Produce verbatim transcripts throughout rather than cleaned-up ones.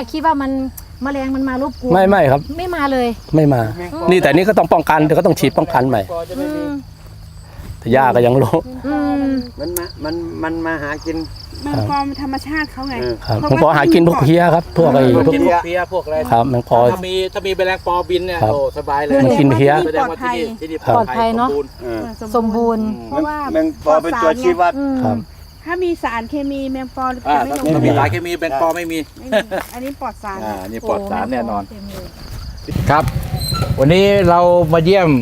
กคิดว่ามันแมลงมันมารบกวนไม่ไม่ครับไม่มาเลยไม่มานี่แต่นี่ก็ต้องป้องกันเดี๋ยวก็ต้องฉีดป้องกันใหม่แต่หญ้าก็ยังโลมันมามันมันมาหากินแมงปอธรรมชาติเขาไงครับแมงปอหากินพวกเพี้ยครับพวกไอ้พวกเพี้ยพวกอะไรครับแมงปอถ้ามีถ้ามีแมลงปอบินเนี่ยโอ้สบายเลยมันกินเพี้ยปลอดภัยปลอดภัยเนาะสมบูรณ์เพราะว่าแมงปอเป็นตัวชี้วัดครับถ้ามีสารเคมีแมงปอจะไม่ลงถ้ามีสารเคมีแมงปอไม่มีอันนี้ปลอดสารอ่านี่ปลอดสารแน่นอนครับวันนี้เรามาเยี่ยม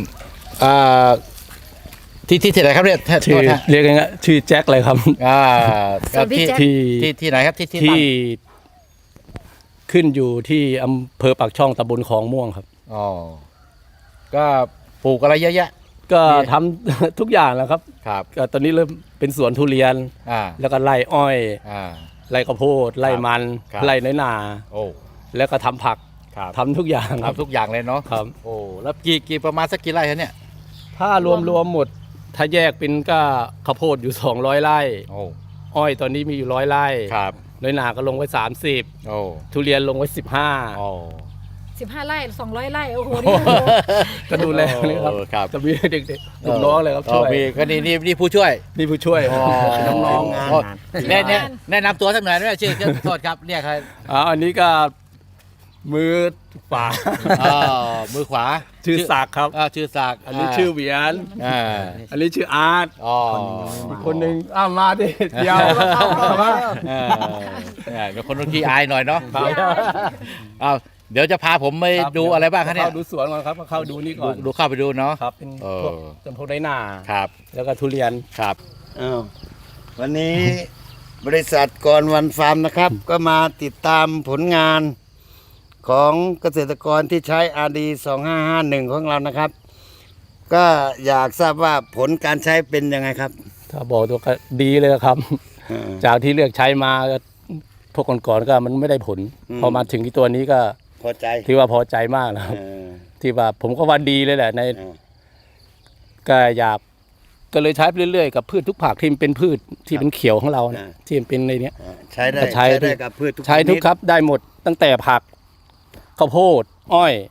ที่ที่ที่ไหนครับเนี่ยชื่อเรียกง่ายๆชื่อแจ็คเลยครับอ่าที่ที่ที่ไหนครับที่ที่ขึ้นอยู่ที่อำเภอปากช่องตำบลคลองม่วงครับอ๋อก็ปลูกอะไรเยอะแยะก็ทำทุกอย่างแล้วครับครับก็ตอนนี้เริ่มเป็นสวนทุเรียนอ่าแล้วก็ไร่อ้อยอ่าไร่ข้าวโพดไร่มันไร่น้อยนาโอ้แล้วก็ทำผักทำทุกอย่างทำทุกอย่างเลยเนาะครับโอ้แล้วกี่กี่ประมาณสักกี่ไร่ครับเนี่ยถ้ารวมรวมหมดถ้าแยกเป็นก็ข้าวโพดอยู่สองร้อยไร่โอ้อ้อยตอนนี้มีอยู่ร้อยไร่ครับน้อยนาก็ลงไว้สามสิบโอ้ทุเรียนลงไว้สิบห้าโอ้สิบห้าไร่สองร้อยไร่โอ้โหก็ดูแลนี่ครับจะมีเด็กๆลูกน้องเลยครับช่วยมีก็นี่นี่นี่ผู้ช่วยนี่ผู้ช่วยน้องๆงานแน่แน่แนะนำตัวสักหน่อยด้วยชื่อโทษครับเรียกใครอ๋ออันนี้ก็มือขวาอ๋อมือขวาชื่อศักดิ์ครับอ่าชื่อศักดิ์อันนี้ชื่อเหวียนอ่าอันนี้ชื่ออาร์ตอ๋ออีกคนหนึ่งอ้ามาดิเดียวมาอ่าเป็นคนขี้อายหน่อยเนาะอ้าวเดี๋ยวจะพาผมไปดูอะไรบ้างครับเนี่ยเข้าดูสวนก่อนครับเข้าดูนี่ก่อนดูเข้าไปดูเนาะครับเป็นพวกจำพวกไรนาครับแล้วก็ทุเรียนครับอ้าววันนี้บริษัทกรวันฟาร์มนะครับก็มาติดตามผลงานของเกษตรกรที่ใช้ อาร์ ดี สองห้าห้าหนึ่ง ของเรานะครับก็อยากทราบว่าผลการใช้เป็นยังไงครับถ้าบอกตัวก็ดีเลยครับจากที่เลือกใช้มาพวกก่อนๆก็มันไม่ได้ผลพอมาถึงที่ตัวนี้ก็พอใจที่ว่าพอใจมากนะครับที่ว่าผมก็ว่าดีเลยแหละในก็อยากก็เลยใช้ไปเรื่อยๆกับพืชทุกผักที่มันเป็นพืชที่เป็นเขียวของเราที่มันเป็นในนี้ใช้ได้ใช้ได้กับพืชทุกใช้ทุกครับได้หมดตั้งแต่ผักข้าวโพดอ้อย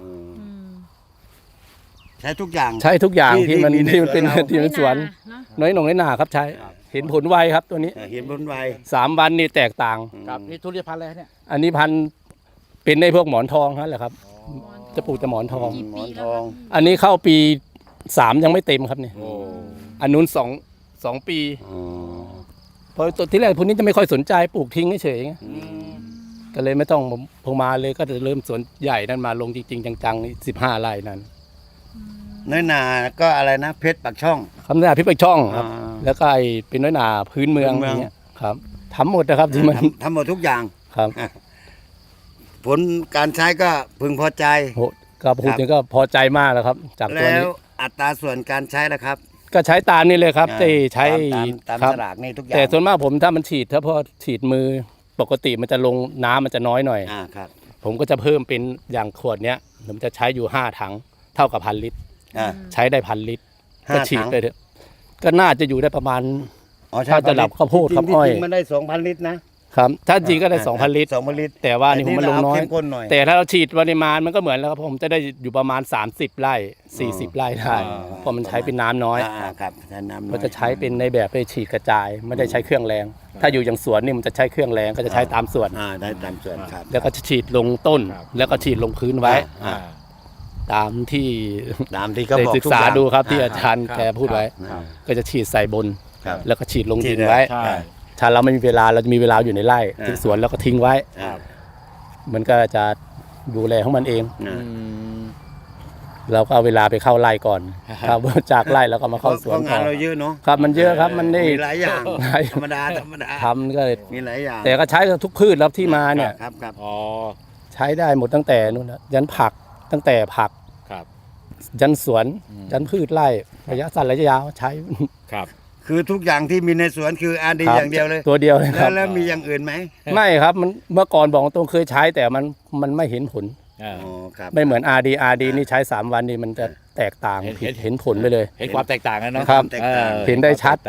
ใช้ทุกอย่างใช้ทุกอย่างที่มันที่มันเป็นที่มันสวนน้อยหน่งน้อยหนาครับใช้เห็นผลไวครับตัวนี้เห็นผลไวสามวันนี่แตกต่างครับนี่ทุเรียนพันธุ์อะไรเนี่ยอันนี้พันธุ์เป็นในพวกหมอนทองนั่นแหละครับจะปลูกแต่หมอนทองหมอนทองอันนี้เข้าปีสามยังไม่เต็มครับเนี่ยอันนู้นสองสองปีเพราะตัวที่แรกพวกนี้จะไม่ค่อยสนใจปลูกทิ้งเฉยๆก็เลยไม่ต้องพงมาเลยก็จะเริ่มสวนใหญ่นั้นมาลงจริงๆจังๆนี่สิบห้าไร่นั้นน้อยหนาก็อะไรนะเพชรปากช่องคำน้อยหนาเพชรปากช่องครับแล้วก็ไอเป็นน้อยหนาพื้นเมืองอย่างเงี้ยครับทำหมดนะครับที่มันทำหมดทุกอย่างครับผลการใช้ก็พึงพอใจก็พูดถึงก็พอใจมากแล้วครับจากตัวนี้แล้วอัตราส่วนการใช้นะครับก็ใช้ตามนี่เลยครับที่ใช้ตามตลาดนี่ทุกอย่างแต่ส่วนมากผมถ้ามันฉีดถ้าพอฉีดมือปกติมันจะลงน้ำมันจะน้อยหน่อยอ่าครับผมก็จะเพิ่มเป็นอย่างขวดเนี้ยผมจะใช้อยู่ห้าถังเท่ากับพันลิตรใช้ได้พันลิตรก็ฉีดไปเถอะก็น่าจะอยู่ได้ประมาณถ้าจะหลับข้าวโพดข้าวอ้อยมันได้สองพันลิตรนะครับถ้าจริงก็ได้สองพันลิตรสองพันลิตรแต่ว่านี่ผมมันลงน้อยแต่ถ้าเราฉีดปริมาณมันก็เหมือนแล้วครับผมจะได้อยู่ประมาณสามสิบไร่สี่สิบไร่ได้เพราะมันใช้เป็นน้ำน้อยครับใช้น้ำน้อยก็จะใช้เป็นในแบบไปฉีดกระจายไม่ได้ใช้เครื่องแรงถ้าอยู่อย่างสวนนี่มันจะใช้เครื่องแรงก็จะใช้ตามส่วนได้ตามส่วนครับแล้วก็ฉีดลงต้นแล้วก็ฉีดลงพื้นไว้ตามที่ตามที่เขาบอกศึกษาดูครับที่อาจารย์แกพูดไว้ก็จะฉีดใส่บนแล้วก็ฉีดลงดินไว้ถ้าเราไม่มีเวลาเราจะมีเวลาอยู่ในไร่ที่สวนแล้วก็ทิ้งไว้มันก็จะดูแลของมันเองเราก็เอาเวลาไปเข้าไร่ก่อนครับจากไร่แล้วก็มาเข้าสวนงานเราเยอะเนาะครับมันเยอะครับมันได้หลายอย่างธรรมดาธรรมดาทำก็มีหลายอย่างแต่ก็ใช้ทุกพืชแล้วที่มาเนี่ยครับครับอ๋อใช้ได้หมดตั้งแต่นู่นยันผักตั้งแต่ผักยันสวนยันพืชไร่ระยะสั้นระยะยาวใช้ครับคือทุกอย่างที่มีในสวนคือ อาร์ ดี อย่างเดียวเลยตัวเดียวเลยครับแล้วมีอย่างอื่นไหมไม่ครับมันเมื่อก่อนบอกตรงเคยใช้แต่มันมันไม่เห็นผลไม่เหมือน อาร์ ดี อาร์ ดี นี่ใช้สามวันนี่มันจะแตกต่างผิดเห็นผลไปเลยเห็นความแตกต่างกันเนาะครับเห็นได้ชัด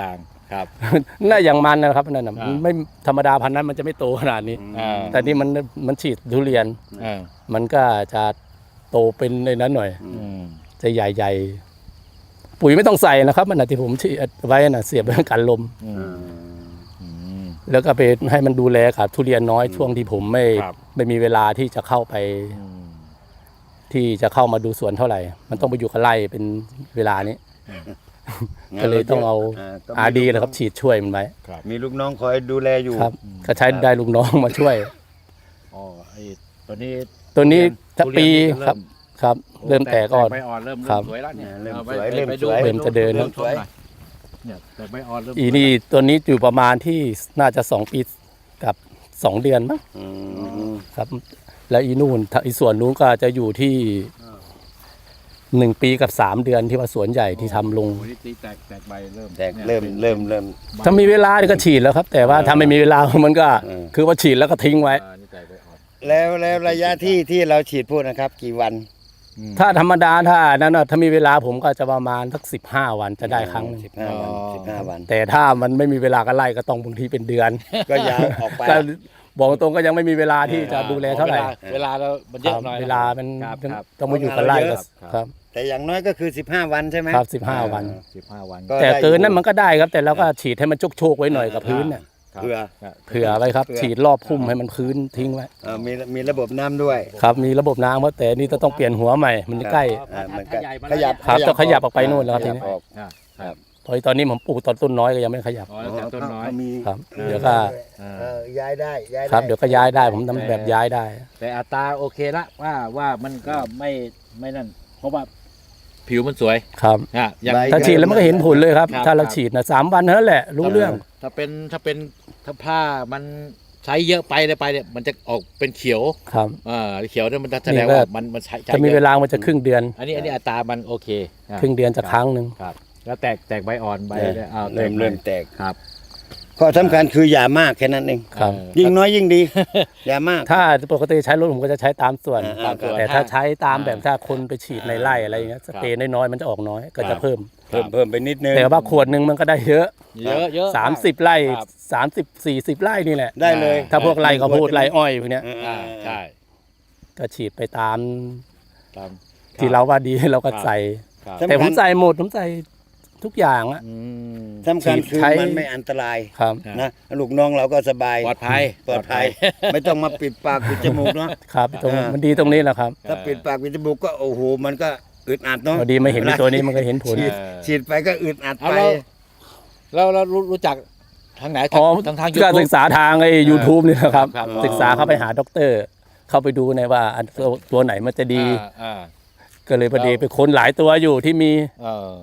ครับน่าอย่างมันนะครับนั่นน่ะอ่าไม่ธรรมดาพันธุ์นั้นมันจะไม่โตขนาดนี้อ่าแต่นี่มันมันฉีดทุเรียนอ่ามันก็จะโตเป็นในนั้นหน่อยอืมจะใหญ่ๆปุ๋ยไม่ต้องใส่นะครับมันนะที่ผมฉีดไว้น่ะเสียบไว้กันลมอืมอืมแล้วก็ไปให้มันดูแลกับทุเรียนน้อยช่วงที่ผมไม่ครับไม่มีเวลาที่จะเข้าไปอืมที่จะเข้ามาดูสวนเท่าไหร่ มันต้องไปอยู่กับไร่เป็นเวลานี้ ก็เลยต้องเอาต้งมีอาดีนะครับฉีดช่วยมันไว้ครับมีลูกน้องคอยดูแลอยู่ครับ ก็ใช้ได้ลูกน้องมาช่วยอ๋อไอ้ตัวนี้ตัวนี้ถ้าทุเรีปียนนี่ครับครับ เริ่มแตกอ่อนใบอ่อนเริ่มครัเริ่บมสวยแล้วเนี่ยเริ่มอาไปสวยไปเริ่มไปสวยเริ่มจะเดินเริ่มสวยหน่อยเนี่ยแต่ใบอ่อนเริ่มอีนี่ตัวนี้อยู่ประมาณที่น่าจะสองปีกับสองเดือนมั้งอืมครับ แล้วอีนู่นถ้าอีส่วนนู้นก็จะอยู่ที่หนึ่งปีกับสามเดือนที่ว่าสวนใหญ่ที่ทำลงโอ้โหนี่ตีแตกแตกใบเริ่มแตกนี่ยเริ่มป็นเริ่มเริ่มถ้ามีเวลานี่ก็ฉีดแล้วครับ แต่ว่าถ้าไม่มีเวลามันก็เออคือว่าฉีดแล้วก็ทิ้งไว้อ่านี่แตกใบอ่อนแล้วแล้วระยะที่ที่เราฉีดพ่นนะครับ กี่วันอืมถ้าธรรมดาถ้านั้นน่ะถ้ามีเวลาผมก็จะประมาณสักสิบห้าวันจะได้ครั้งหนึงสิบห้าวันอ๋อสิบห้าวันแต่ถ้ามันไม่มีเวลาก็ไล่ก็ต้องบางทีเป็นเดือนก็ยาวออกไปก็บอกตรงก็ยังไม่มีเวลาที่จะดูแลเท่าไหร่วลเวลาเรามันเยอะหน่อยเวลามันครับครับต้องมาอยู่กับไร่ก็ครับครับแต่อย่างน้อยก็คือสิบห้าวันใช่ไหมครับสิบห้าวันสิบห้าวันก็แต่ได้เกินนั้นอยู่มันก็ได้ครับ แต่เราก็ฉีดให้มันโชกๆไว้หน่อยกับพื้นน่ะครับเผื่อครับเผื่อไว้ครับเผื่อฉีดรอบพุ่มให้มันพื้นทิ้งไว้เอ่อมีมีระบบน้ำด้วยครับมีระบบน้ำเพราะแต่นี่ต้องเปลี่ยนหัวใหม่มันใกล้อ่ามันก็ถ้าใหญ่มาขแล้วยับครับต้องขยับออกไปนู่นแล้วครับขทียับนี้ออกอ่าครับเพราะตอนนี้ผมปลูกตอนต้นน้อยก็ยังไม่ขยับอ๋อแล้วแต่ต้นน้อยมีครับออเดี๋ยวก็อ่าเออย้ายได้ย้ายได้ครับเดี๋ยวก็ย้ายได้ผมทำแบบย้ายได้แต่อัตราโอเคละว่าว่ามันก็ไม่ไม่นั่น เพราะว่าผิวมันสวยครับอ่ะอย่างถ้าฉีดแล้วมันก็เห็นผลเลยครับครับถ้าเราฉีดนะสามวันเท่านั้นแหละรู้เรื่องถ้าเป็นถ้าเป็นถ้าผ้ามันใช้เยอะไปเลยไปเนี่ยมันจะออกเป็นเขียวครับอ่าเขียวเนี่ยมันจะแสดงนี่ก็ว่ามันมันใช้ใช้จะมียอะเวลามันจะครึ่งเดือนอันนี้อันนี้อัตรามันโอเคอ่ะครึ่งเดือนจะครั้งหนึ่งครับ แล้วแตกแตกใบอ่อนใบเนี่ยเนี่ยอ้าวแตเริ่กมใบเริ่มแตกครับข้อสำคัญคืออย่ามากแค่นั้นเองครับเออยิ่งน้อยยิ่งดี อย่ามากถ้าปกติใช้รถผมก็จะใช้ตามส่วนอ่าตามส่วนแต่ถ้าใช้ตามอ่าแบบถ้าคนไปฉีดในไร่อะไรอย่างเงี้ยสเปรย์น้อยๆมันจะออกน้อยก็ครัจะบเพิ่มเพิ่มเพิ่มไปนิดนึงแต่ว่าขวดหนึ่งมันก็ได้เยอะเยอะเยอะสามสิบไร่ครับสามสิบสี่สิบไร่นี่แหละได้เลยถ้าพวกไร่ข้าวโพดไร่อ้อยพวกเนี้ยเอออ่าใช่ก็ฉีดไปตามตามที่เราว่าดีเราก็ครับใส่ครับสำคัญแต่ผมใส่หมดผมใส่ทุกอย่างอะอืมสำคัญคือใช้มันไม่อันตรายครับนะลูกน้องเราก็สบายปลอดภัยปลอดภัย ไม่ต้องมาปิดปากปิดจมูกเนาะครับตรงอ่ามัมันดีตรงนี้แหละครับถ้าปิดปากปิดจมูกก็โอ้โหมันก็อึดอัดเนาะพอดีมาเห็นในตัวนี้มันก็เห็นผลฉีดฉีดไปก็อึดอัดเอาไปแล้วเราเรารู้รู้จักทางไหนอ๋อทางทางยูก็ทูศึบกษาทางไอ้ยูทูบนี่แหละครับครับศึกษาเข้าไปหาด็อกเตอร์ เข้าไปดูในว่าอันตัวตัวไหนมันจะดีอ่าก็เลยพอดีไปค้นหลายตัวอยู่ที่มีอ่าเออบ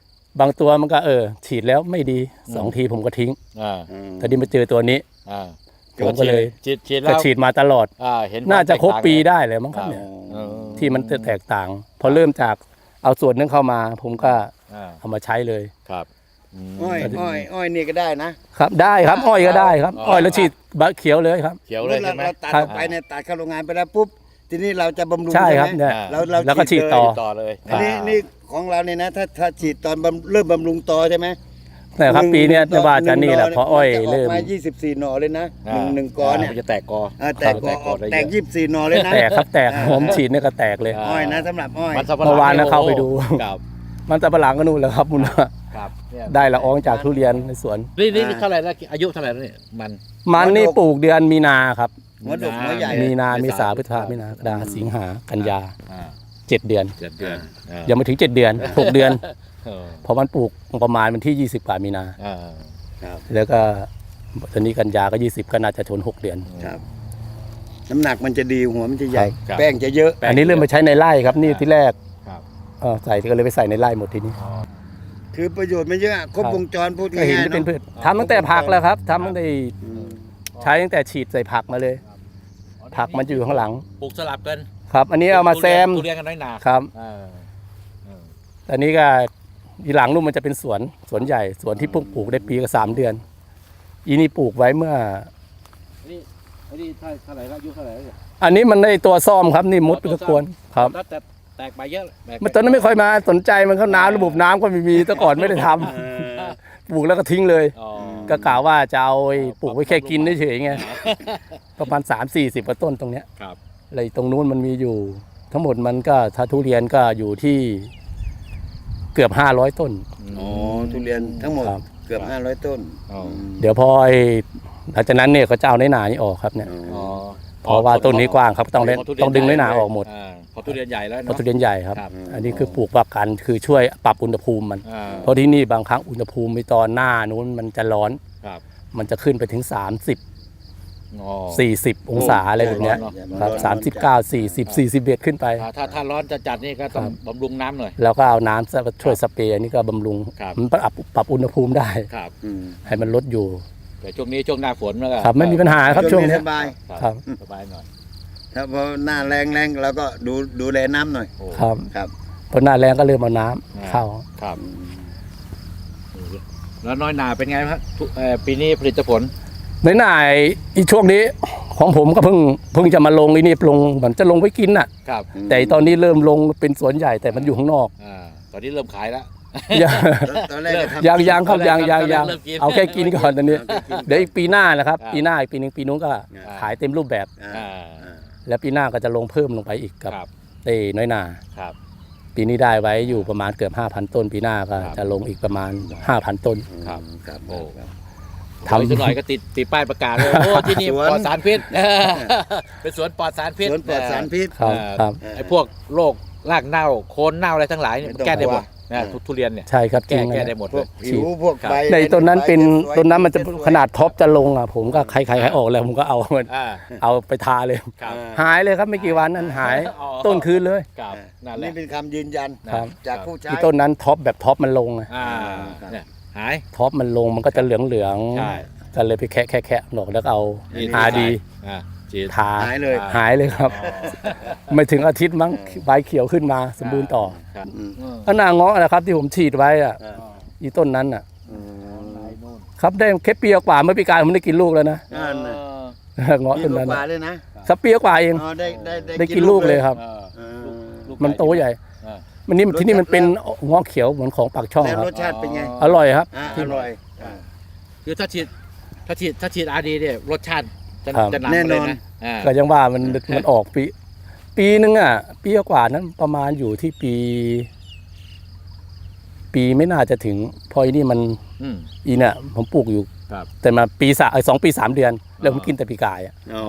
างตัวมันก็เออ ฉีดแล้วไม่ดีสองทีผมก็ทิ้งอ่าอืมแต่ดีมาเจอตัวนี้อ่าผมก็เลยฉีดฉีดก็แล้วฉีดมาตลอดอ่าเห็นน่าจะครบวมแตกต่างปีได้เลยมั้งครับเนี่ยเออที่มันจะแตกต่าง พอเริ่มจากเอาส่วนนึงเข้ามา ผมก็อ่าเอามาใช้เลยครับอืมอ้อยอ้อยอ้อยนี่ก็ได้นะครับได้ครับอ้อยก็ได้ครับ อ้อยแล้วฉีดบะเขียวเลยครับเขียวเลยเราใช่ไหมเราตัดครัอบ อกไปเนี่ยตัดเข้าโรงงานไปแล้วปุ๊บทีนี้เราจะบำรุงใช่ครับไหมเนี่ยเราเราแล้วก็ฉีดต่อเลยต่อเลยอันนี้นี่ของเราเนี่ยนะถ้าถ้าฉีดตอนบำเริ่มบำรุงต่อใช่ไหมแต่ครับปีเนี้ยจะว่าจะนี่แหละเพราะอ้อยมันจะเริ่มมายี่สิบสี่หน่อเลยนะหนึ่งหนึ่งกอเนี่ยมันจะแตกกออ่าแตกกอออกได้เยอะแตกยี่สิบสี่หน่อเลยนะแตกครับแตกผมฉีดเนี่ยก็แตกเลยอ่าอ้อยนะสำหรับอ้อยมันสับปะหลังเมื่อวานนะเข้าไปดูครับมันตะปะหลังก็นู่นแหละครับมุนว่าครับเนี่ยได้ละอองจากทุเรียนในสวนนี่นี่นี่เท่าไหร่แล้วอายุเท่าไหร่แล้วเนี่ยมันมันนี่ปลูกเดือนมีนาครับหัวดกหัวใหญ่มีนาเมเมษาษาพฤษภามินากรกฎาสิงหากันยาอ่าเจ็ดเดือนเจ็ดเดือนอ่ายังไม่ถึงเจ็ดเดือนหกเดือนเออเพราะมันปลูกประมาณวันที่ยี่สิบกว่ามีนาอ่าแล้วก็ตอนนี้กันยาก็ยี่สิบก็น่าจะชนหกเดือนครับน้ำหนักมันจะดีหัวมันจะใหญ่ครับแป้งจะเยอะอันนี้เริ่มมาใช้ในไร่ครับนี่ที่แรกครับเออใส่ก็เลยไปใส่ในไร่หมดทีนี้อ๋อคือประโยชน์มันเยอะครบครับวงจรพูดก็เห็นง่ายจะๆเป็นเนาะพืชทำตั้งแต่ผักแล้วครับทำตั้งแต่อืมใช้ตั้งแต่ฉีดใส่ผักมาเลย ผักมันจะอยู่ข้างหลังปลูกสลับกันครับ อันนี้เอามาแซมทุเรียนกันน้อยหนาครับอ่าเอออันนี้ก็อีหลังนู่นมันจะเป็นสวนสวนใหญ่สวนที่เพิ่งปลูกได้ปีกับสามเดือน อีนี่ปลูกไว้เมื่ออันนี้อันนี้เท่าเท่าไหร่แล้วอายุเท่าไหร่แล้วเนี่ยอันนี้มันได้ตัวซ่อมครับนี่มดไปตะกวนครับแล้วแต่แตกใบเยอะแตกมันตอนนั้นไม่ค่อยมาสนใจมันเข้าน้ำระบบน้ำก็ไม่มีแต่ก่อนไม่ได้ทำเออปปลูกแล้วก็ทิ้งเลยอ๋อก็กล่าวว่าจะเอาไอ้ปลูกไว้แค่กินเฉยๆไงประมาณสามสี่สิบกว่าต้นตรงเนี้ยครับอะไรตรงนู้นมันมีอยู่ ทั้งหมดมันก็ถ้าทุเรียนก็อยู่ที่เกือบห้าร้อยต้นอ๋อทุเรียนทั้งหมดครับเกือบห้าร้อยต้นอ๋อเดี๋ยวพอไอ้หลังจากนั้นเนี่ยเขาจะเอาในอยหนานี่ออกครับเนี่ยอ๋อเพราะว่าต้นนี้กว้างครับต้องเล่นขทุเรียต้องดึงน้อยหนาออกหมดาพอทุเรียนใหญ่แล้วเพเนาะราะทุเรียนใหญ่ครับครับอันนี้คือปลูกประกันคือช่วยปรับอุณหภูมิมันอ่าเพราะที่นี่บางครั้งอุณหภูมิในตอนหน้านู้นมันจะร้อนครับมันจะขึ้นไปถึงสามสิบอ๋อสี่สิบองศาอะไรแบบเนี้ยร้อนเนอะครับสามสิบเก้าสี่สิบสี่สิบเอ็ดขึ้นไปอ่าถ้าถ้าร้อนจะจัดนี่ก็ต้องบำรุงน้ำหน่อยแล้วก็เอาน้ำช่วยสเปรย์อันนี้ก็บำรุงครับมันปรับปรับอุณหภูมิได้ครับอืมให้มันลดอยู่แต่ช่วงนี้ช่วงหน้าฝนแล้วก็ครับไม่มีปัญหาครับช่วงเนี้ยสบายครับสบายหน่อยถ้าพอหน้าแรงแรงเราก็ดูดูแลน้ำหน่อยโอ้ครับครับพอหน้าแรงก็เริ่มเอาน้ำอ่าเข้าครับแล้วน้อยหนาเป็นไงครับทุเอ่อปีนี้ผลิตผลในหน่ายอีช่วงนี้ของผมก็เพิ่งเพิ่งจะมาลงอีนี่ลงเหมือนจะลงไว้กินน่ะครับแต่ตอนนี้เริ่มลงเป็นสวนใหญ่แต่มันอยู่ข้างนอกอ่าตอนนี้เริ่มขายแล้วยังตอนแรกก็ทำยังยังครับยังยังยังเริ่มกินเอาแค่กินก่อนตอนนี้เอาแค่กินเดี๋ยวอีกปีหน้านะครับครับปีหน้าอีกปีหนึงปีนู้นก็อ่าขายเต็มรูปแบบอ่าอ่าอ่าแล้วปีหน้าก็จะลงเพิ่มลงไปอีกกับครับเต้น้อยนาครับปีนี้ได้ไว้อยู่ประมาณเกือบห้าพันต้น ปีหน้าก็ครับจะลงอีกประมาณห้าพันต้นครับครับโอ้ครับทำทำสักหน่อยก็ติดติดป้ายประกาศเลยโอ้ที่นี่สวนปลอดสารพิษเออเป็นสวนปลอดสารพิษสวนปลอดสารพิษครับเอ่อครับไอ้พวกโรครากเน่าโคนเน่าอะไรทั้งหลายเนี่ยไม่ต้องแก้ได้หมดกลัวนะทุทุเรียนเนี่ยใช่ครับจแก้ริงแก้นะได้หมดพเลวกยผิวพวกใบในต้นนั้นเป็นใบต้นนั้นมันจะสวยขนาดท็อปจะลงอ่ะผมก็ใครใครใครออกแล้วผมก็เอามันอ่าเอาไปทาเลยครับหายเลยครับไม่กี่วันนั้นหายอ๋อต้นคืนเลยครับนั่นแหนี่ละเป็นคำยืนยันครับจากผู้ใช้ที่ต้นนั้นท็อปแบบท็อปมันลงอะอ่าครับเนี่ยหายท็อปมันลงมันก็จะเหลืองเหลืองใช่ก็เลยไปแคะแคะแคะหนอกแล้วก็เอานี่อาดีอ่าฉีดทาหายเลยหายเลยครับอ๋อไม่ถึงอาทิตย์มั้งใบเขียวขึ้นมาสมบูรณ์ต่อครับอืมอืมก็นาเงาะนะครับที่ผมฉีดไว้อ่ะอ่าอีต้นนั้นอ่ะอืมครับได้แค่เปียกว่าเมื่อปีกายผมได้กินลูกแล้วนะนั่นน่ะเงาะมีต้นลูกนั้นปลาน่ะด้วยนะครับเปียกว่าเองอ๋อได้ได้ได้กินลูกเลยครับเออเออลูกมันโตใหญ่อ่ามันนี่รสชาติที่นี่มันเป็นเงาะเขียวเหมือนของปากช่องแล้วครัรบสชาติเป็นไงอร่อยครับอ่าอร่อยอ่าคือถ้าฉีดถ้าฉีดถ้าฉีดอาดีเนี่ยรสชาติจะครับจะนำแน่มาเลยนอนนะอ่าก็ยังว่ามันมันออกปี ปีนึงอ่ะปีกว่านั้นประมาณอยู่ที่ปี ปีไม่น่าจะถึงเพออีนี่มันอืมอีเนี่ยผมปลูกอยู่ครับแต่มาปีสามสองปีสามเดือน แล้วผมกินแต่ปีกายอ่ะอ๋อ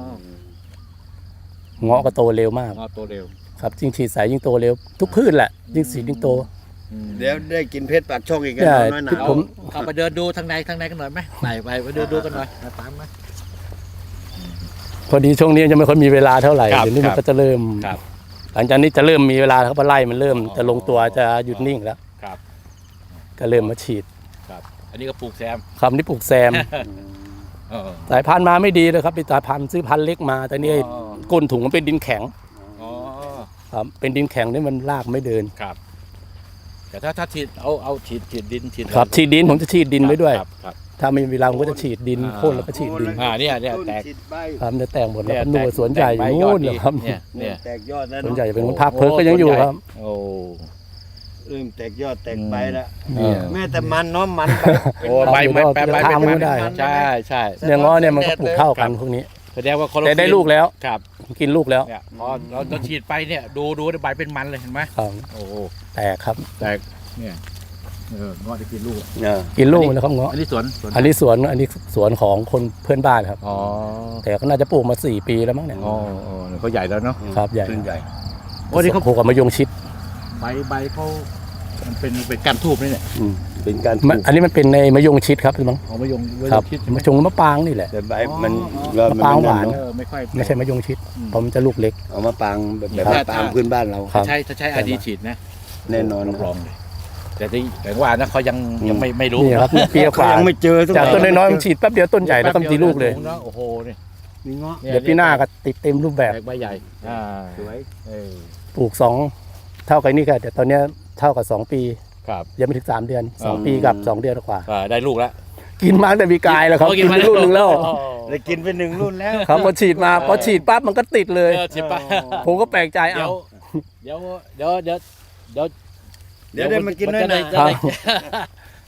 เงาะก็โตเร็วมากงอโตเร็วครับยิ่งฉีดสายยิ่งโตเร็ว ทุกพืชแหละยิ่งสียิ่งโตอืมเดี๋ยวได้กินเพชรปากช่องอีกกันใช่น้อยหนาที่วผมเข้าไปเดินดูทางในทางในกันหน่อยไหมไปไปไปเดินดูกันหน่อยมาตามมาพอดีช่วงนี้ยังไม่ค่อยมีเวลาเท่าไหร่ครับเดี๋ยวนี้คมัรันบก็จะเริ่มครับหลังจากนี้จะเริ่มมีเวลาแล้วครับเพราะไล่มันเริ่มอ๋อจะลงตัวจะหยุดนิ่งแล้วครับก็เริ่มมาฉีดครับ อันนี้ก็ปลูกแซมคำนี้ปลูกแซมเออสายพันธุ์มาไม่ดีเลยครับเป็นสายพันธุ์ซื้อพันธุ์เล็กมาแต่นี่อ๋อก้นถุงมันเป็นดินแข็งอ๋อครับเป็นดินแข็งนี่มันรากไม่เดินครับ แต่ถ้าถ้าฉีดเอาเอาฉีดฉีดดินฉีดครับฉีดดินผมจะฉีดดินไว้ด้วยครับครับถ้าไม่มีเวลาผมก็จะฉีดดินอ่าโค่นแล้วก็ฉีดดินอ่าเนี่ยเนี่ยต้นแตกฉีดใบครับจะแตกหมดแล้วเยครับนู่นแตกสวนใหญ่อยู่แตกใบนู่นยอดเลยครับเนี่ยเนี่ยแตกยอดแล้วสวนเนาะใหญ่เป็นภาคเพิร์กก็ยังอยู่ครับโอ้เริ่มแตกยอดแตกใบแล้วเนี่ยแม่แต่มันเนาะมันโอ้ใบใบใบใบทางมันก็ได้ใช่ใช่เนี่ยง้อเนี่ยมันก็ปลูกเท่ากันพวกนี้แสดงว่าคอแต่ได้ลูกแล้วครับกินลูกแล้วเนี่ยพอเราเราฉีดไปเนี่ยดูดูใบเป็นมันเลยเห็นไหมครับโอ้โหแตกครับแตกเนี่ยเออเงาะได้กินลูกเออกินลูกแล้วครับเงาะอันนี้สวนสวนอันนี้สวนอันนี้สวนของคนเพื่อนบ้านครับอ๋อแต่ก็น่าจะปลูกมาสี่ปีแล้วมั้งเนี่ยอ๋ออ๋อเขาใหญ่แล้วเนาะครับใหญ่ต้นใหญ่โอ้นี่เขาปลูกกับมะยงชิดใบใบเขามันเป็นเป็นการทูบนี่เนี่ยอืมเป็นการปมันลูกอันนี้มันเป็นในมะยงชิดครับมั้งของมะยงมะยครับงชิดมะชงมะปางนี่แหละแต่ใบมันอ๋อก็มะปรางหวานเอะเออไม่ค่อยไม่ใช่มะยงชิดอืมเพราะมันจะลูกเล็กเอามาปางแบบแบบครับปางพื้นบ้านเราครับถ้าใช้ถ้าใช้อาดีฉีดนะแน่นอนรับรองเลยแต่ที่แต่ว่านะเขายังยังไม่ไม่รู้นี่ครับเปรี้ยวกเขาว่ายังไม่เจอทุกจากต้นน้อยๆมันฉีดแป๊บเดียวต้นใหญ่แล้วก็มีลูกเลยนะโอ้โหนี่มีเงาะเดี๋ยวปีหน้าก็ติดเต็มรูปแบบแตกใบใหญ่อ่าสวยเออปลูกสองเท่ากับนี่ค่ะแต่ตอนเนี้ยเท่ากับสองปีครับยังไม่ถึงสามเดือนสองอ๋อปีกับสองเดือนกว่าอ่าได้ลูกแล้วกินมาตั้งแต่ปีกายแล้วครับโอ้กินไปลูกหนึ่งแล้วอ๋อได้กินไปหนึ่งรุ่นแล้วครับพอฉีดมาพอฉีดปั๊บมันก็ติดเลยเออฉีดไปผมก็แปลกใจเดี๋ยเอ้าวเดี๋ยวเดี๋ยวเดี๋ยวเดี๋ยวเดี๋ยวได้มากินน้อยหนาจะได้ครับ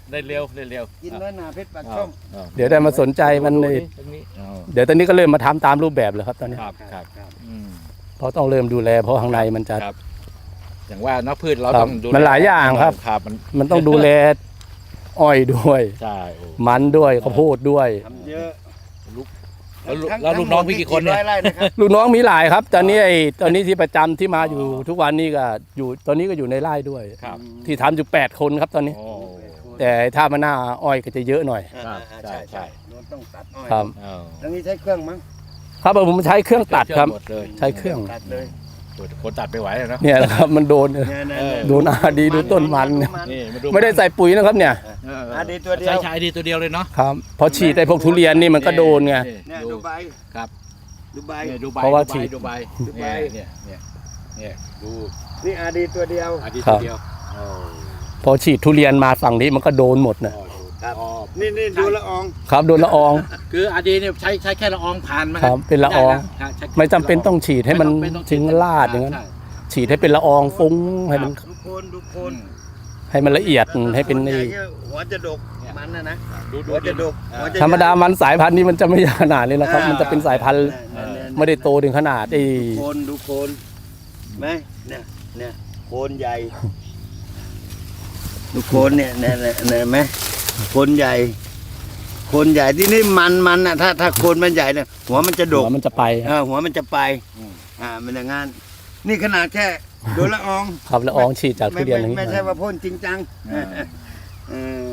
ได้เร็วได้เร็วกินน้อยหนาเพชรปากช่องอ้าวเดี๋ยวได้มาสนใจมันดูเลยดิตรงนี้อ้าวเดี๋ยวตอนนี้ก็เริ่มมาทำตามรูปแบบเลยครับตอนนี้ครับครับอืมเพราะต้องเริ่มดูแลเพราะข้างในมันจะครับ อย่างว่าเนักพืชเราครับต้องดูแมันหลายอย่างครับครับมันมันต้องดูแลอ้อยด้วยใช่โอ้มันด้วยข้าวโพดด้วยทำเยอะแล้วลูกแล้วลูกน้องพี่กี่คนเนี่ยร้อยไร่นะครับลูกน้องมีหลายครับ ตอนนี้ไอ้ตอนนี้ที่ประจำที่มาอยู่ทุกวันนี้ก็อยู่ตอนนี้ก็อยู่ในไร่ด้วยครับที่ทำอยู่แปดคนครับตอนนี้โอ้แต่ถ้ามันหน้าอ้อยก็จะเยอะหน่อยอ่าใช่ใช่ใช่ใช่โดนต้องตัดอ้อยครับอ้าวตรงนี้ใช้เครื่องมั้งครับผมใช้เครื่องตัดครับหมดเลยใช้เครื่องตัดเลยคนตัดไม่ไหวเลยนะเนี่ยแหละครับมันโดนเนี่ยเนี่ยเนี่ยโดนอาดีดูต้นมันเนี่ยนี่มาดูไม่ได้ใส่ปุ๋ยนะครับเนี่ยเอออาดีตัวเดียวใช้ใช้ดีตัวเดียวเลยเนาะครับพอฉีดไอ้พวกทุเรียนนี่มันก็โดนไงเนี่ยดูดูใบครับดูใบเนี่ยดูใบเพราะว่าดูใบฉีดดูใบดูใบเนี่ยเนี่ยเนี่ยดูนี่อาดีตัวเดียวอาทิตย์ครับเดียวโอ้พอฉีดทุเรียนมาฝั่งนี้มันก็โดนหมดนะโอ้ดูครับอ๋อนี่นี่ดูละอองครับโดนละอองคืออาดีเนี่ยใช้ใช้แค่ละอองผ่านไหมครับเป็นละอองได้นะใช้แค่ไม่จำเป็นต้องฉีดให้มันไม่ต้องทิ้งลาดอย่างนั้นใช่ฉีดให้เป็นละอองฟุ้งให้มันดูโคนดูโคนให้มันละเอียดให้เป็นใหนี่ญ่เงี้ยหัวจะดกมันนะนะดูดูหัวจะดกอ่าหัวจะธรรมดามันสายพันธุ์นี้มันจะไม่ขนาดนี้นะครับ มันจะเป็นสายพันธุ์เนี่ยเนี่ยไม่ได้โตถึงขนาดไอ้โคนดูโคนไหมเนี่ยเนี่ยโคนใหญ่ ดูโคนเนี่ยเนี่ยเนี่ยเนี่ยเห็นไหมโคนใหญ่ โคนใหญ่ที่นี่มันมันอ่ะถ้าถ้าโคนมันใหญ่เนี่ยหัวมันจะดหักวมันจะไปเออหัวมันจะไปอ่ามันอย่างงั้นนี่ขนาดแค่โดนละอองครับละอองฉีดจากทุไม่เรียนอไม่ย่างนี้ไม่ใช่ว่าพ่นจริงจังเออ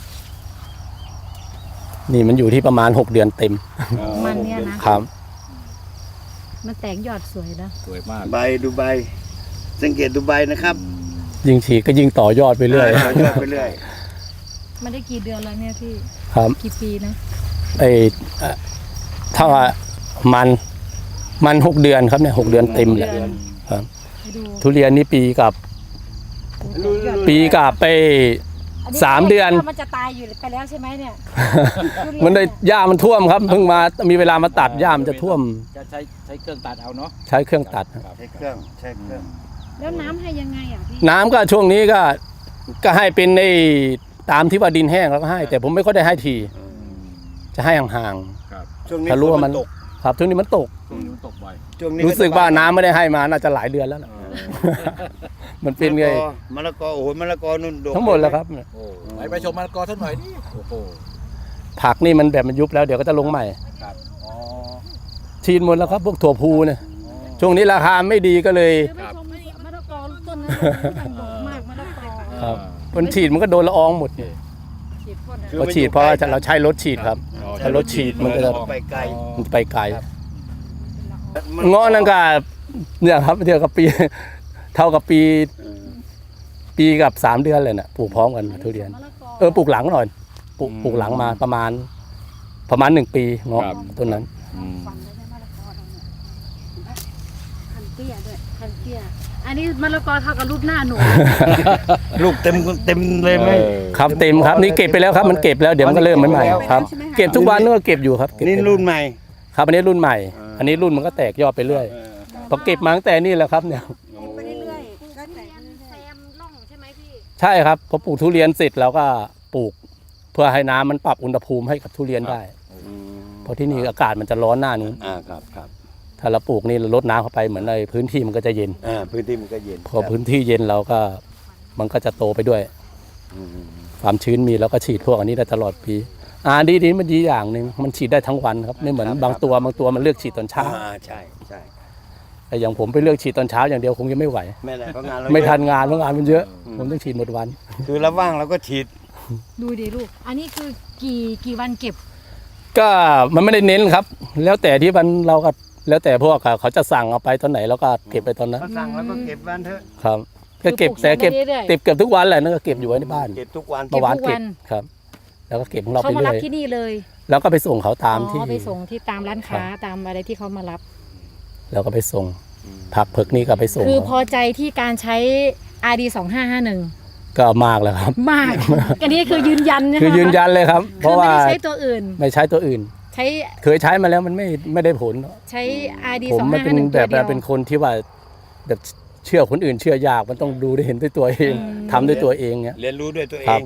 นี่มันอยู่ที่ประมาณหกเดือนเต็มมันเนี่ยนะครับ มันแตกยอดสวยนะสวยมากใบดูใบ สังเกตดูใบนะครับยิ่งฉีดก็ยิ่งต่อยอดไปเรื่อยต่อยอดไปเรื่อยมันได้กี่เดือนแล้วเนี่ยพี่ครับกี่ปีนะไอ้เอ่อถ้าว่ามันมันหกเดือนครับเนี่ยหกเดือนเต็มเลยครับไปดูทุเรียนนี่ปีกับ ปีกับไป สามเดือนมันจะตายอยู่ไปแล้วใช่ไหมเนี่ยมันได้หญ้ามันท่วมครับเพิ่งมามีเวลามาตัดหญ้ามันจะท่วมจะใช้ใช้เครื่องตัดเอาเนาะใช้เครื่องตัดครับใช้เครื่องใช้เครื่องแล้วน้ำให้ยังไงอ่ะพี่น้ำก็ช่วงนี้ก็ก็ให้เป็นในตามที่ว่าดินแห้งแล้วก็ให้ แต่ผมไม่ค่อยได้ให้ทีจะให้ห่างช่วงนี้ถ้ารู้ว่ามันฝตกๆครับช่วงนี้มันตกช่วงนี้มันตกบ่อยช่วงนี้รู้สึกว่าน้ำไม่ได้ให้มาน่าจะหลายเดือนแล้วล่ะมันเป็นไงมะละกอโอ้โหมะละกอนุ่นดกทั้งหมดแล้วครับโอ้ไปไปชมมะละกอสักหน่อยดิโอ้โหผักนี่มันแบบมันยุบแล้วเดี๋ยวก็จะลงใหม่ครับอ๋อชีนหมดแล้วครับพวกถั่วพูเนี่ยช่วงนี้ราคาไม่ดีก็เลยเดี๋ยวไปชมมะละกอต้นนั้นมันดกมากมะละกอครับ มันฉีดมันก็โดนละอองหมดฉีดพ่นคือพอฉีดเพราะว่าเราใช้รถฉีดครับอ๋อถ้ารถฉีดมันก็จะไปไกลมันจะไปไกลเงาะนั่นก็เนี่ยครับเท่ากับปี เท่ากับปี ปีกับสามเดือนเลยน่ะปลูกพร้อมกันทุเรียนมะละกอเออปลูกหลังหน่อยปลูกปลูกหลังมาประมาณ ประมาณหนึ่งปีเงาะต้นนั้นอืมฟันได้ไหมมะละกอเราเนี่ยพันเตี้ยด้วยพันเตี้ยอันนี้มะละกอเท่ากับรูปหน้าหนูลูกเต็มเต็มเลยไหมครับเต็มครับนี่เก็บไปแล้วครับมันเก็บแล้วเดี๋ยวมันก็เริ่มใหม่ๆครับ เก็บทุกวันนี่ก็เก็บอยู่ครับเก็บนี่รุ่นใหม่ครับอันนี้รุ่นใหม่ อันนี้รุ่นมันก็แตกยอดไปเรื่อยพอเก็บมาตั้งแต่นี่แหละครับเนี่ยไปเรื่อยๆก็แตกแซมล่องใช่ไหมพี่ใช่ครับพอปลูกทุเรียนเสร็จเราก็ปลูก เพื่อให้น้ำมันปรับอุณหภูมิให้กับทุเรียนได้เพราะที่นี่อากาศมันจะร้อนหน้านู้นอ่าครับครับถ้าเราปลูกนี่เราลดน้ำเข้าไปเหมือนในพื้นที่มันก็จะเย็นอ่าพื้นที่มันก็เย็นพอพื้นที่เย็นเราก็มันก็จะโตไปด้วยอืมความชื้นมีแล้วก็ฉีดพวกอันนี้ได้ตลอดปีอ่าดีดีมันดีอย่างหนึ่งมันฉีดได้ทั้งวันครับไม่เหมือนบางตัวบางตัวมันเลือกฉีดตอนเช้าอ่าใช่ใช่แต่อย่างผมไปเลือกฉีดตอนเช้าอย่างเดียวคงจะไม่ไหวไม่ได้เพราะงานเราไม่ทัเยนงานเพราะงานมันเยอะ ผมต้องฉีดหมดวันอะคือเราว่างเราก็ฉีดดูดิลูก อันนี้คือกี่กี่วันเก็บก็มันไม่ได้เน้นครับ แล้วแต่ที่มันเราก็แล้วแต่พวกเขาเขาจะสั่งเอาไปตอนไหนเราก็เก็บไปตอนนั้นเขาสั่งแล้วก็เก็บวันเถอะครับก็เก็บแต่เก็บเรื่อยๆเก็บเก็บทุกวันแหละนั่นก็เก็บอยู่ไว้ในบ้านเก็บทุกวันเก็บเมื่อวานทุกวัเก็บนครับ แล้วก็เก็บของเราเขาไปมาเรื่รับอยที่นี่เลยแล้วก็ไปส่งเขาตามที่อ๋อไปส่งที่ตามร้านค้าตามอะไรที่เขามารับแล้วก็ไปส่งผักเผือกนี่ก็ไปส่งคือพเขาอใจที่การใช้ อาร์ ดี สองห้าห้าหนึ่งก็มากแล้วครับมาก อันนี้คือยืนยันใช่ไหมคือยืนยันเลยครับ เพคือราะไม่ว่าได้ใช้ตัวอื่นไม่ใช้ตัวอื่นใช้เคยใช้มาแล้วมันไม่ไม่ได้ผลใช้ อาร์ ดีผมสองมันห้าเป็ห้าน หนึ่งแบตัวบเดียวเป็นคนที่ว่าแบบเชื่อคนอื่นเชื่อยากมันต้องดูได้เห็นด้วยตัวเองอืมทำด้วยตัวเองเนี้ยเรียนรู้ด้วยตัวเอครับง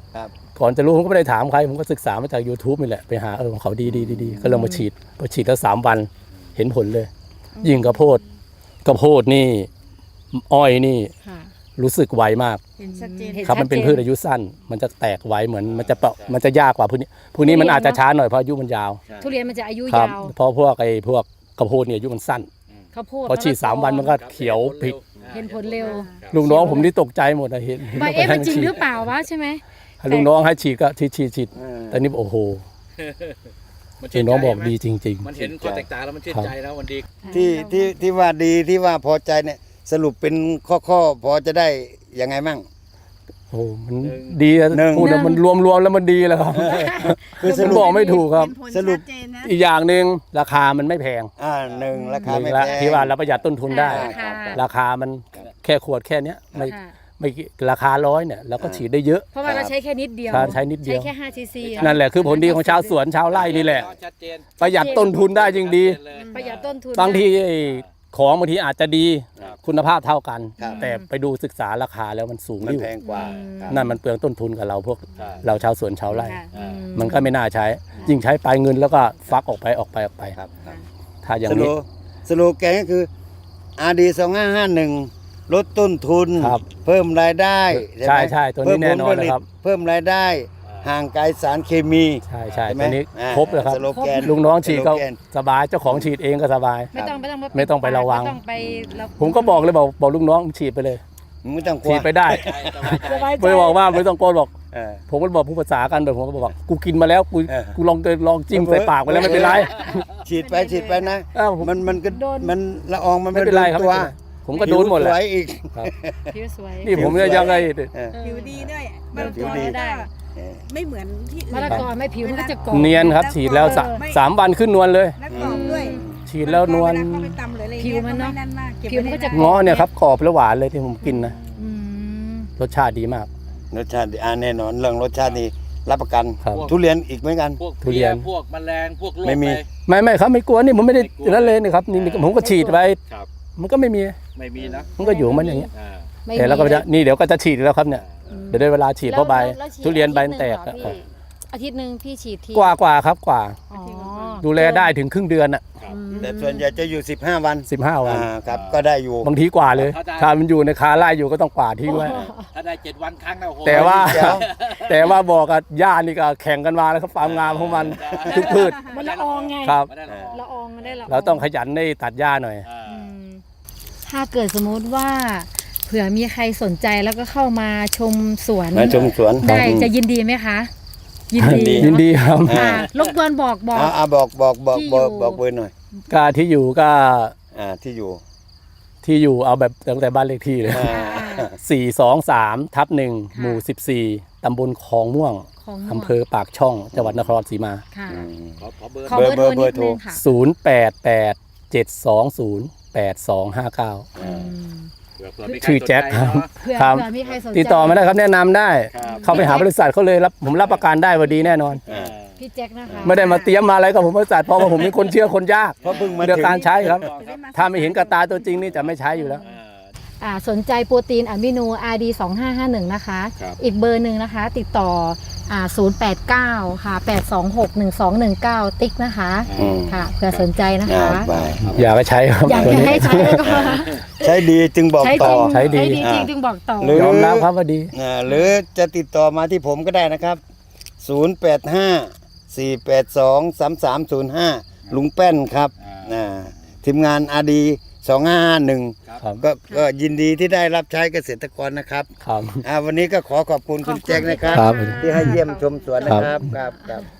ครับก่อนจะรู้ผมก็ไม่ได้ถามใครผมก็ศึกษามาจาก YouTube นี่แหละไปหาเออของเขาดีดีดีดีก็เลยมาฉีดพอฉีดแล้วสามวันเห็นผลเลย ยิ่งกระโพดกระโพดนี่อ้อยนี่ค่ะรู้สึกไวมากเห็นชัดเจนเห็นครับมันเป็นชัดเจนพืชอายุสั้น มันจะแตกไวเหมือนมันจะเปาะมันจะยากกว่าพวกนี้พวกนี้มันอาจจะช้าหน่อยเพราะอายุมันยาวทุเรียนมันจะอายุครับยาวเพราะพวกไอ้พวกกระโพดเนี่ยอายุมันสั้นข้าวโพดพอฉีดสามวันมันก็เขียวผิดเห็นผลเร็วลุงน้องผมนี่ตกใจหมดนะเห็นห็นว่าเอ๊ะมันจริงฉีดหรือเปล่าวะใช่ไหมให้ลุงน้องให้ฉีดก็ฉีดฉีดฉีดเออแต่นี่โอ้โหมันลุงน้องบอกดีจริงมันเห็นข้อแตกต่างแล้วมันชื่นใจแล้วมันดีที่ที่ที่ว่าดีที่ว่าพอใจเนี่ยสรุปเป็นข้อข้อพอจะได้ยังไงมั่งๆ โอ้มันดีอะหนึ่งพูดแล้วมันรวมรวมๆแล้วมันดีแล้วครับคือสผมรุปบอกไม่ถูกครับเห็นผลสรุปชัดเจนนะอีกอย่างหนึ่งราคามันไม่แพงอ่าหนึ่งราคาหนึ่ไม่งละแพงที่ว่าเราประหยัดต้นทุนได้ราคาราคามันแค่ขวดแค่เนี้ยไม่ค่ะไม่ราคาร้อยเนี่ยเราก็ฉีดได้เยอะเพราะว่าเราใช้แค่นิดเดียวใช่ใช้นิดเดียวใช้แค่ห้าซีซีนั่นแหละคือผลดีของชาวสวนชาวไร่นี่แหละชัดเจนประหยัดต้นทุนได้จริงดีประหยัดต้นทุนบางทีไอ้ของบางทีอาจจะดีครับคุณภาพเท่ากันครับแต่ไปดูศึกษาราคาแล้วมันสูงมันอยู่แพงกว่าครับนั่นมันเปลืองต้นทุนกับเราพวกใช่เราชาวสวนชาวไร่ค่ะอืมมันก็ไม่น่าใช้ ยิ่งใช้ไปเงินแล้วก็ฟักออกไปออกไปออกไปครับครับถ้าอย่างสโลนี้สโลแกนก็คือ อาร์ ดี สองห้าห้าหนึ่ง ลดต้นทุนครับเพิ่มรายได้ใช่ไหมใช่ตัวนี้แน่นอนเลยครับเพิ่มรายได้ ห่างไกลสารเคมีใช่ใช่ใช่ไหมตัวนี้อ่าครบเลยครับสโลแกนลุงน้องฉีดก็สโลแกนสบายเจ้าของฉีดเองก็สบายไม่ต้องไม่ต้องไม่ต้องไประวังไม่ต้องไประผมก็บอกเลยบอกบอกลุงน้องฉีดไปเลยไม่ต้องกลัวฉีดไปได้สบายใจไม่บอกว่าไม่ต้องโกนบอกเออผมก็บอกผู้ภาษากันแบบผมก็บอกกูกินมาแล้วกูเออกูลองเดินลองจิ้มใส่ปากไปแล้วไม่เป็นไรฉีดไปฉีดไปนะอ้าวผมมันมันก็โดนมันละอองมันไม่เป็นไรครับตัวไม่เป็นไรผมก็โดนหมดแหละผิวสวยอีกครับผิวสวยนี่ผมจะยังไงเออผิวดีด้วยมะละผิกวอดีได้เออไม่เหมือนที่อื่นมะละกอไม่ผิวมันก็จะกรอบเนียนครับฉีดแล้วสะไม่สามวันขึ้นนวลเลยและกรอบด้วยฉีดแล้วนวลเาเข้าไปตำหรืออะไรผิวมันเนอะไมากเก็บผิวมันก็จะไได้ง้อเนี่ยครับกรอบและหวานเลยที่ผมกินนะอืมรสชาติดีมากรสชาติดีอ่าแน่นอนเรื่องรสชาตินี่รับประกันครับทุเรียนอีกเหมือนกันพวกทุเรียนพวกแมลงพวกโรคไม่มีปไม่ไม่ครับไม่กลัวนี่ผมไม่ได้ไม่กลัวนั่นเลยนี่ครับนี่นี่ผมก็ฉีดไปครับมันก็ไม่มีไม่มีนะมันก็อยู่ของมันอย่างเงี้ยอ่าไม่แต่แล้วก็มีจะนี่เดี๋ยวก็จะฉีดแล้วครับเนี่ยเดี๋ยวได้เวลาฉีดเพราะใบแล้วฉีดทุเรียนใบมันแตกอาทิตย์หนึ่งเหรอพี่อาทิตย์หนึ่งพี่ฉีดทีกว่ากว่าครับกว่าอ๋อดูแลได้ถึงครึ่งเดือนอ่ะครับอืมแต่ส่วนใหญ่จะอยู่สิบห้าวันสิบห้าวันอ่าครับก็ได้อยู่บางทีกว่าเลยเข้าใจถ้ามันอยู่ในคาไล่อยู่ก็ต้องกว่าทิ้งไว้ถ้าได้เจ็ดวันครั้งนะโอ้โหแต่ว่าเดี๋ยวแต่ว่าบอกกับย่านี่ก็แข่งกันมาแล้วครับความงามของมันทุกพืชมันละอองไงครับไม่ได้หรอกละอองมันได้ละเราต้องขยันในตัดหญ้าหน่อยอ่าอืมถ้าเกิดสมมุติว่าเผื่อมีใครสนใจแล้วก็เข้ามาชมสวนมาชมสวนได้จะยินดีไหมคะ ยินดีดียินดีครับค่ะรบกวนบอกบอกอ่าอ่าบอกบอกบอกที่บอกอยู่บอกเบอร์หน่อยก็ที่อยู่ก็อ่าที่อยู่ที่อยู่เอาแบบตั้งแต่บ้านเลขที่เลยอ่าสี่สองสามทับหนึ่งหมู่สิบสี่ตำบลคลองม่วงของอำเภอปากช่องจังหวัดนครราชสีมาค่ะอืมขอขอเบอร์ขอเบอร์โทรเบอนิร์ดโทรนึงค่ะศูนย์แปดแปดเจ็ดสองศูนย์แปดสองห้าเก้าอืมเผื่อเผื่อมีใครชื่อแจ็คสนใจครับเนอะเผื่อครับเผื่อมีใครสนใจติดต่อมาได้ครับแนะนำได้ครับเข้าไปหาบริษัทเขาเลยรับผมรับประกันได้ว่าดีแน่นอนอ่าพี่แจ็คนะคะไม่ได้มาเตรียมมาอะไรกับผมบริษัทเพราะว่าผมเป็นคนเชื่อคนยากเพราะเพิ่งมาเรื่องถึงการใช้ครับครับถ้าไม่เห็นกับตาตัวจริงนี่จะไม่ใช้อยู่แล้วอ่าอ่าสนใจโปรตีนอะมิโน อาร์ ดี สองห้าห้าหนึ่ง นะคะครับอีกเบอร์หนึ่งนะคะ ติดต่ออ่าศูนย์แปดเก้าค่ะแปดสองหกหนึ่งสองหนึ่งเก้าติ๊กนะคะอืมค่ะเผื่อสนใจนะอ่าคะไปอยากให้ใช้ครับอยากตัวจะนี้ให้ใช้ก็ใช้ดีจึงบอกใช้จต่ริองใช้ดีจริงอ่าจึงบอกต่อหรือยอมรับครับว่าดีอ่าหรือจะติดต่อมาที่ผมก็ได้นะครับ ศูนย์ แปด ห้า สี่ แปด สอง สาม สาม ศูนย์ ห้า ลุงแป้นครับอ่าทีมงานอาดีสองห้าห้าหนึ่งครับก็ก็ยินดีที่ได้รับใช้เกษตรกรนะครับครับอ่าวันนี้ก็ขอขอบคุณคุณแจ็คนะครับครับที่ให้เยี่ยมชมสวนนะครับครับครับ